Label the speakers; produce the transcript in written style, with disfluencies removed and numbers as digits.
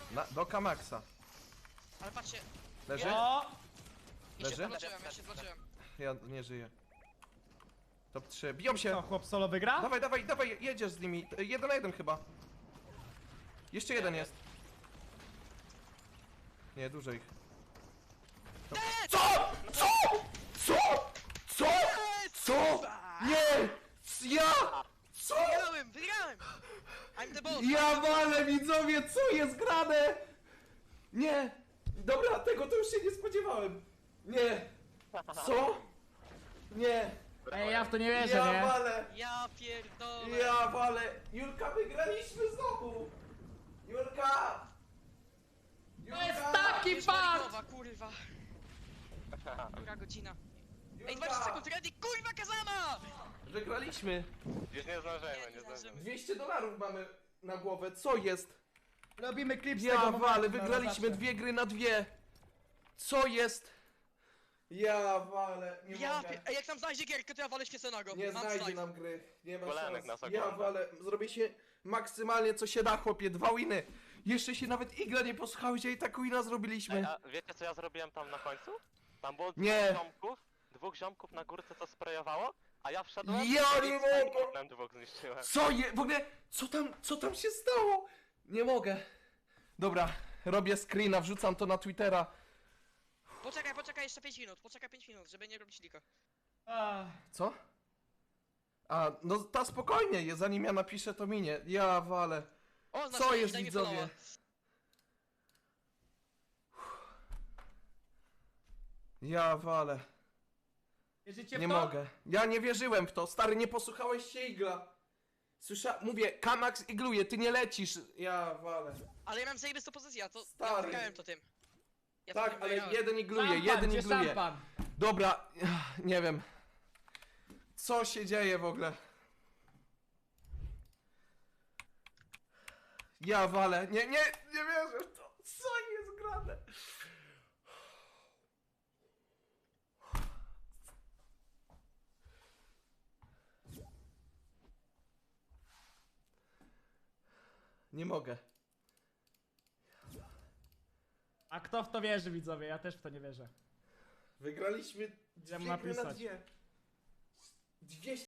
Speaker 1: Do Kamaxa.
Speaker 2: Ale patrzcie,
Speaker 1: Leży?
Speaker 3: O!
Speaker 2: ja się
Speaker 1: Leży?
Speaker 2: zbloczyłem, ja się zbloczyłem.
Speaker 1: Ja nie żyję. Top 3. Biją
Speaker 3: Co,
Speaker 1: się!
Speaker 3: chłop solo wygra?
Speaker 1: Dawaj, dawaj, dawaj, jedziesz z nimi. 1 na 1 chyba. Jeszcze jeden jest. Nie, dużo ich. Co? Co? Co? Co? Co? Nie! Ja! Co?
Speaker 2: Wygrałem, wygrałem! I'm the boss!
Speaker 1: Ja walę, widzowie, co jest grane? Nie! Dobra, tego to już się nie spodziewałem. Nie! Co? Nie!
Speaker 3: Ej, ja w to nie wierzę,
Speaker 1: Ja
Speaker 3: nie?
Speaker 1: walę!
Speaker 2: Ja pierdolę!
Speaker 1: Ja walę! Julka, wygraliśmy znowu! Julka!
Speaker 3: To jest taki
Speaker 2: Już
Speaker 3: fart!
Speaker 2: Marikowa, kurwa. Która godzina? Ej,
Speaker 1: Julka!
Speaker 2: 20 sekund, ready, kurwa Kazama!
Speaker 1: Wygraliśmy!
Speaker 4: Już nie zdążymy,
Speaker 2: Nie,
Speaker 4: nie
Speaker 2: nie
Speaker 4: zdążymy.
Speaker 2: zdążymy.
Speaker 1: 200 dolarów mamy na głowę, co jest?
Speaker 3: Robimy klip z
Speaker 1: Ja
Speaker 3: tego momentu
Speaker 1: walę,
Speaker 3: na
Speaker 1: wygraliśmy
Speaker 3: zawsze.
Speaker 1: 2 gry na 2! Co jest? Ja walę, nie
Speaker 2: Ja
Speaker 1: mogę.
Speaker 2: Ej, jak tam znajdzie gierkę, to ja walę świeconego.
Speaker 1: Nie
Speaker 2: Mam
Speaker 1: znajdzie
Speaker 2: slajd.
Speaker 1: nam gry, nie ma
Speaker 4: Kolanek
Speaker 1: szans.
Speaker 4: nas
Speaker 1: Ja
Speaker 4: ogląda.
Speaker 1: walę, zrobię się maksymalnie co się da, chłopie, 2 winy. Jeszcze się nawet Igla nie posłuchałeś, a i tak wina zrobiliśmy.
Speaker 4: Ej, a wiecie co ja zrobiłem tam na końcu? Tam było
Speaker 1: Nie.
Speaker 4: dwóch ziomków na górce to sprejowało, a ja wszedłem
Speaker 1: Ja
Speaker 4: i
Speaker 1: nie
Speaker 4: z
Speaker 1: mogę.
Speaker 4: Tigerem dwóch zniszczyłem.
Speaker 1: Co je, w ogóle, co tam się stało? Nie mogę. Dobra, robię screena, wrzucam to na Twittera.
Speaker 2: Poczekaj jeszcze 5 minut, poczekaj 5 minut, żeby nie robić lika.
Speaker 3: Ach,
Speaker 1: Co? A, no ta spokojnie, zanim ja napiszę to minie. Ja walę.
Speaker 2: O,
Speaker 1: Co jest, widzowie? Ja walę.
Speaker 3: wierzycie w
Speaker 1: Nie
Speaker 3: to?
Speaker 1: mogę. Ja nie wierzyłem w to. Stary, nie posłuchałeś się Igla. Mówię, Kamax igluje, ty nie lecisz. Ja walę.
Speaker 2: Ale ja mam zajebistą pozycję, ja to...
Speaker 1: Stary.
Speaker 2: Ja wygrałem to tym. Ja to
Speaker 1: Tak,
Speaker 2: tym
Speaker 1: ale
Speaker 2: wygrałem.
Speaker 1: jeden igluje,
Speaker 3: Szampan,
Speaker 1: jeden
Speaker 3: gdzie
Speaker 1: igluje.
Speaker 3: szampan?
Speaker 1: Dobra, nie wiem. Co się dzieje w ogóle? Ja walę. Nie wierzę w to. Co jest grane? Nie mogę.
Speaker 3: A kto w to wierzy, widzowie? Ja też w to nie wierzę.
Speaker 1: Wygraliśmy
Speaker 3: Idę mu
Speaker 1: 2 gry na
Speaker 3: napisać.
Speaker 1: 2. 200